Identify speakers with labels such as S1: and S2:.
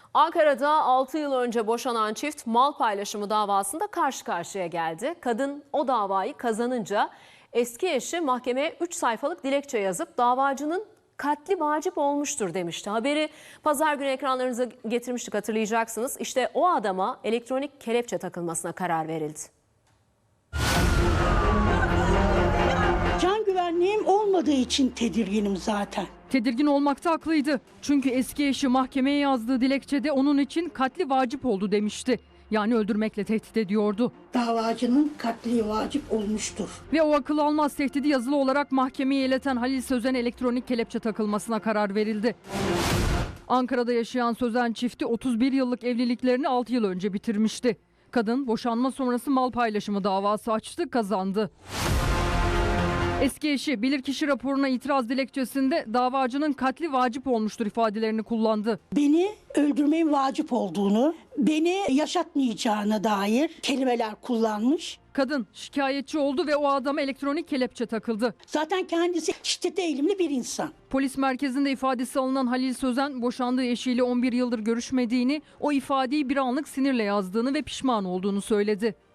S1: Ankara'da 6 yıl önce boşanan çift mal paylaşımı davasında karşı karşıya geldi. Kadın o davayı kazanınca eski eşi mahkemeye 3 sayfalık dilekçe yazıp davacının katli vacip olmuştur demişti. Haberi pazar günü ekranlarınıza getirmiştik, hatırlayacaksınız. İşte o adama elektronik kelepçe takılmasına karar verildi.
S2: Can güvenliğim olmadığı için tedirginim zaten.
S3: Tedirgin olmakta haklıydı. Çünkü eski eşi mahkemeye yazdığı dilekçede onun için katli vacip oldu demişti. Yani öldürmekle tehdit ediyordu.
S2: Davacının katli vacip olmuştur.
S3: Ve o akıl almaz tehdidi yazılı olarak mahkemeye ileten Halil Sözen'e elektronik kelepçe takılmasına karar verildi. Ankara'da yaşayan Sözen çifti 31 yıllık evliliklerini 6 yıl önce bitirmişti. Kadın boşanma sonrası mal paylaşımı davası açtı, kazandı. Eski eşi bilirkişi raporuna itiraz dilekçesinde davacının katli vacip olmuştur ifadelerini kullandı.
S2: Beni öldürmeyin vacip olduğunu, beni yaşatmayacağına dair kelimeler kullanmış.
S3: Kadın şikayetçi oldu ve o adama elektronik kelepçe takıldı.
S2: Zaten kendisi şiddete eğilimli bir insan.
S3: Polis merkezinde ifadesi alınan Halil Sözen boşandığı eşiyle 11 yıldır görüşmediğini, o ifadeyi bir anlık sinirle yazdığını ve pişman olduğunu söyledi.